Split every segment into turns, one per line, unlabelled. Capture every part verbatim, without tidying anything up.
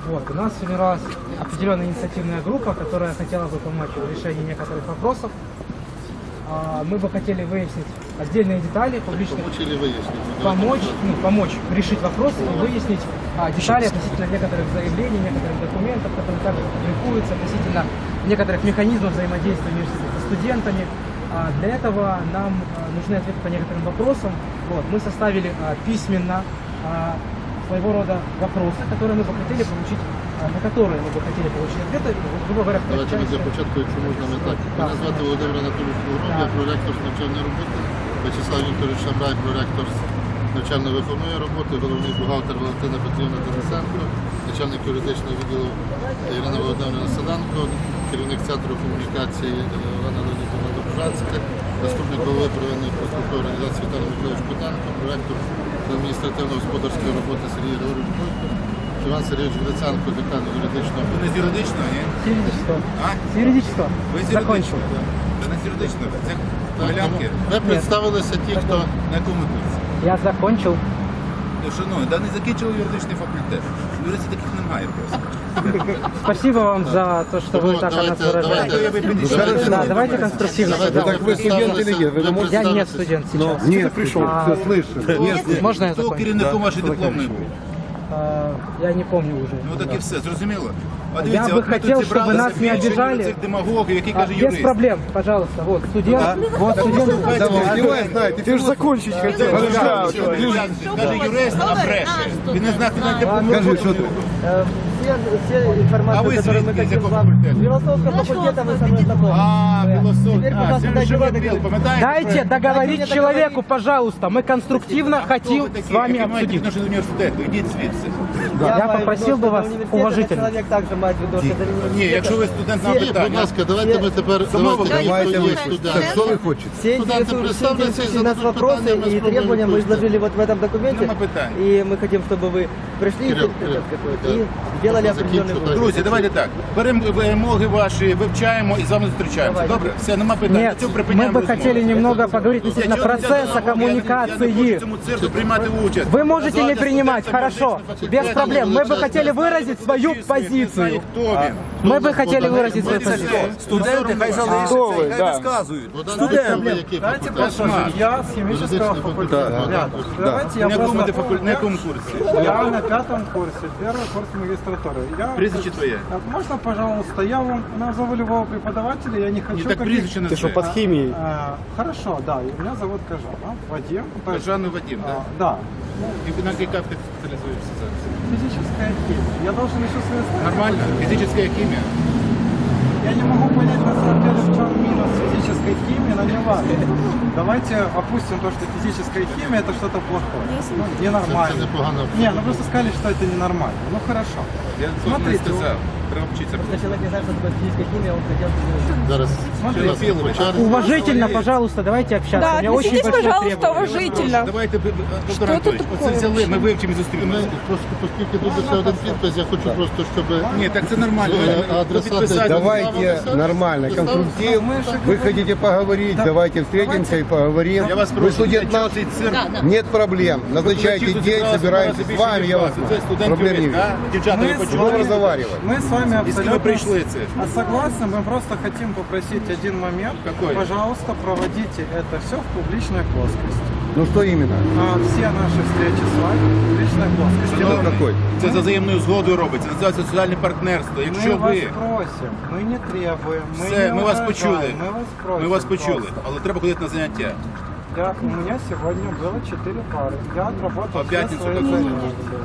Вот, у нас формировалась определенная инициативная группа, которая хотела бы помочь в решении некоторых вопросов. А, мы бы хотели выяснить отдельные детали публичных.
Помочь или выяснить?
Помочь, ну, помочь решить вопросы и выяснить а, детали относительно некоторых заявлений, некоторых документов, которые также публикуются, относительно некоторых механизмов взаимодействия между студентами. А, для этого нам а, нужны ответы по некоторым вопросам. Вот, мы составили а, письменно а, своего рода вопросы, которые мы бы хотели получить, а, на которые мы бы хотели получить ответы. Грубо говоря,
Давайте ми для початку, якщо можна, не так. Мене звати Володимир Анатолійович Погром, я проректор з навчальної роботи, Вячеслав Вікторович Шамрай, проректор з навчально-виховної роботи, головний бухгалтер Валентина Петрівна Денисенко, начальник юридичного відділу Ірина Володимирівна Селенко, керівник центру комунікації Олена Леонідовна Добжанська, заступник голови первинної профспілкової організації Віталій Миколаївич Котенко, проректор з адміністративно-господарської роботи Сергій Григорович Бойко, Іван Сергійович Гриценко, декан юридичного.
Ви не з юридичного, ні?
С юридического.
А?
С юридического.
Ви з
Закончил.
юридичного? Це не з юридичного. Це
Так,
Полянки.
ви представилися ті, хто
На якому курсі?
Я закончил.
Ну, шановні, да не закінчили юридичний факультет. Юристів таких немає просто.
Спасибо вам за то, что вы так о нас выражаете. Да, давайте конструктивно.
Так ви студент или ні? Ви не можете
Я не студент сейчас.
Нет, пришел, все слышно.
Можно я
Хто
закончу?
керівником вашої дипломної був?
А, Я не помню уже.
Ну так і все, зрозуміло. А
Я би
от ми
хотів,
тут
щоб ви нас
зібралися
не
більше
обіжали.
цих демагогів, які
А,
каже
Без
юрист.
проблем, пожалуйста. Вот студент. Вот студент.
Давай, знай, ты же закончить хотел.
Каже юрист, а бреше. Він не знає, навіть допомогу.
Скажи, что ты?
Э, Все, все
А
информацию,
вы
которую мы
звідки, з
хотим
якого
вам...
факультету?
Философского факультета вы со мной знакомы.
А, філософ.
Теперь,
А,
пожалуйста,
це
дайте
живе
мне
біл,
договорить.
пам'ятаєте?
Дайте договорить
мне
человеку,
договорить.
пожалуйста. Мы конструктивно хотим с вами
Які маєте
обсудить.
відношення до університету? Ідіть звідси.
Я
маю
попросил
відношення
бы вас
до університету,
уважительно.
Человек также мает відношення до университета.
Ні, якщо ви студент на
Будь
питання.
ласка, давайте ми тепер
Замовили.
давайте
Давайте
хто
вы.
є
Так
студент.
что вы хотите?
Все
Студенты,
интересующие,
представляйте,
интересующие нас
зададут
вопросы
питания, мы
и
спробуем
требования мы
ответить.
изложили вот в этом документе.
Нема питань.
И мы хотим, чтобы вы пришли
Кирилл,
и
Кирилл,
какой-то, и
да.
сделали
Закінчу,
определенный
так.
вывод.
Друзі, давайте так. Беремо вимоги ваші, вивчаємо і з вами зустрічаємося.
Давайте.
Добре? Все, нема питань.
Нет,
До цього
мы
припиняємо
бы
розмову.
хотели немного поговорить
Я
относительно
чого не
процесса
взяв на увагу? Я не- Я не
коммуникации.
хочу в цьому цирку приймати участь.
Вы можете не
Назвати
принимать,
студентам
хорошо,
юридичного факультету.
без проблем. Мы бы хотели выразить свою
Не знаю,
позицию.
хто він.
Мы бы хотели выразить свою позицию.
Студенти хай залишаться і хай розказують.
Студент, який
Давайте
факультет?
послушаем. Я с химического
Юридичный
факультета.
факультет.
Ребят, давайте я
На якому ти
просто...
факуль- на якому курсі?
Я на пятом курсе, первый курс магистратуры. Я...
Прізвище твоє.
А Можно, пожалуйста, я вам назову любого преподавателя, я не хочу...
Ні, так
каких-
прізвище не
А, а, Хорошо, да, и меня зовут Кажан, а, Вадим. То есть,
Жанну Вадим,
а,
так?
Да,
І на якій кафедрі спеціалізуєшся зараз?
физическая химия. Я должен еще свои знания...
Нормально? Фізична хімія?
Я не могу понять, на самом деле, в чем минус физической химии, но не важно. Давайте опустим то, что физическая химия это что-то плохое. Ну, ненормально.
Це непогано.
Не, ну просто сказали, что это ненормально. Ну хорошо.
Я не
Смотрите,
сказав. Треба вчитися.
Если человек не знает, что такое физическая химия, он хотел бы...
Зараз
Смотрите,
ще раз по черзі.
Уважительно, пожалуйста, давайте общаться.
Да,
У меня очень
относитесь,
большое
пожалуйста,
требование.
уважительно.
Давайте, доктор
Що
Анатолійович,
це
оце
таке
взяли, ми вивчимо і
Ми
зустрінемося.
просто, оскільки тут лише один підпис, я хочу просто, щоб
Ні, так це нормально.
Е,
Ви
адресати-
підписали.
Давайте нормально, конструктив. Вы хотите поговорить, давайте встретимся и поговорим.
Я вас
Вы
прошу,
студент
для
наш,
чого цей цирк?
нет проблем. Назначайте
Колектив
день,
зібрався
собираемся
більше,
с вами,
ніж
я вас
вас. Це студент
проблем не
юрист,
вижу.
да? Дівчата, ви
Мы с
почули?
Будем разговаривать.
Мы с вами
І з ким ви
абсолютно
прийшли це?
а согласны. Мы просто хотим попросить один момент.
Какой?
Пожалуйста, проводите это все в публичной плоскости.
Ну что именно?
А все наши встречи с вами в публичной плоскости.
Что какой?
Це за взаємною згодою робиться. Називається соціальне партнерство. Якщо
Мы вас
ви...
просим, мы не требуем, мы
Все,
не
ми вас
угрожаем,
почули.
Мы вас просим.
Ми вас почули,
просто.
але треба ходити на заняття.
Я, у меня сегодня было четыре пары. Я отработал
А в
все
пятницу
свои
какой?
занятия.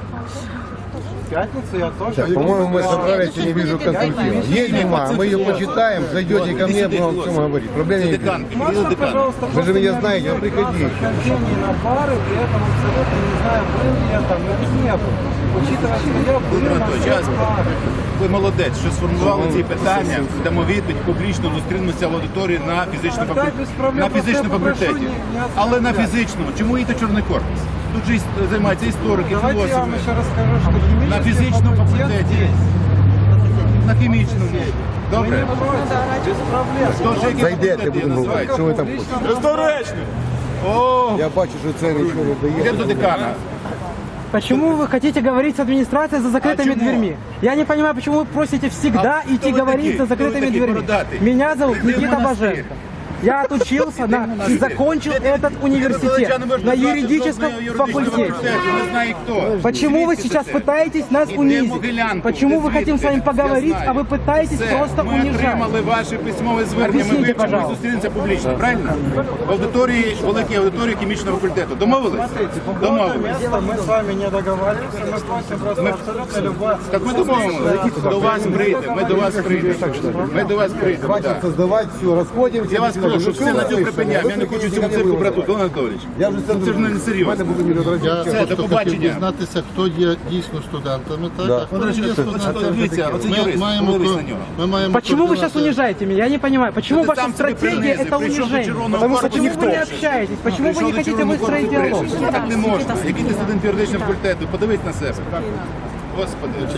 В пятницу я тоже...
Так, по-моему, мы собрались и не вижу конструктива. Есть бумага, мы ее почитаем, зайдете ко мне, будем о всем говорить. Проблем
Це
не
декан,
вижу.
Кирилл
Можно,
декан.
пожалуйста,
Вы же
просто
меня
не
знаете, вы приходите.
хождений на пары, при этом абсолютно не знаю, был ли я там или не был. Учитывая, что я был
Володимир
на
Анатолійович,
всех
я-
парах.
ви молодець, що сформували ці питання, дамо відповідь, публічно зустрінемося в аудиторії на фізичному
Так,
факультеті.
без проблем,
На
просто
фізичному
я попрошу
факультеті.
не- не
Але на
оскорблять.
фізичному. Чому їдете чорний корпус? Тут же іс- займаються історики,
Давайте я вам
філософи.
еще расскажу, что химический
На фізичному
факультет
факультеті.
здесь.
На хімічному.
Мы
Добре?
не против, без проблем.
Тож, які
Зайдете,
факультети
будемо говорити.
називаються?
Що ви там
Публично
хочете?
Бездоречно! О,
Я бачу, що це нічого не
йдемо до
дає.
декана.
Почему вы хотите говорить с администрацией за закрытыми
А чему?
дверьми? Я не понимаю, почему вы просите всегда
А
идти
кто вы
говорить
такие?
за
Кто вы
закрытыми
такие,
дверьми.
бородатый?
Меня зовут
Иди в
Никита
монастырь.
Боженко. Я отучился на, и
монастырь.
закончил
Ти-
этот
ти
университет
розглядача не можеш
на
назвати
юридическом
жодного юридичного
факультете.
факультету, Не знаю хто.
Почему вы
Звідки
сейчас
це?
пытаетесь нас
Іде
унизить?
Могилянку.
Почему
Ти
мы хотим с
звідки?
вами
Я
поговорить,
знаю.
а вы пытаетесь
Все,
просто
ми
унижать?
отримали ваше письмове звернення, ми
Об'ясніть,
вивчимо і
пожалуйста.
зустрінемося публічно, правильно? В аудиторії, великій аудиторії хімічного факультету. Домовились?
По поводу
Домовились.
места мы с вами не договариваемся, мы просим просто абсолютно любое...
Так ми домовились. До вас прийдемо, ми до вас прийдемо. Ми до вас прийдемо,
Хватит
так.
создавать, все, расходимся.
Я вас
До свидания.
прошу,
Ну,
все на
что
цьому
вы
припиняємо. Я не
слышите?
хочу
Вы
цьому
не
цирку
виявили.
брати, Олег Анатолійович.
Я вже
Ну, це ж не
Мене
серйозно.
буде мільйон разів
Я
чесно.
Все, до
просто хотів
побачення.
дізнатися, хто є дійсно студентами, так?
Да.
А хто
От,
не
речі,
є
от, от,
студентами.
дивіться, оце
Ми
юрист,
маємо,
подивись
ко-
на нього.
ми маємо
Почему вы сейчас
координати.
унижаете меня? Я не понимаю. Почему
Ты
ваша
сам себе
стратегия
принизил,
это
пришел до
унижение?
червоного
Потому что
корпусу,
почему вы не
никто.
общаетесь? Почему вы
Прийшов
не
до
хотите
Червоного
выстроить
корпусу,
диалог?
вирішив. Так не можна. Який ти студент юридичного факультету? Подивись на себе. Господи.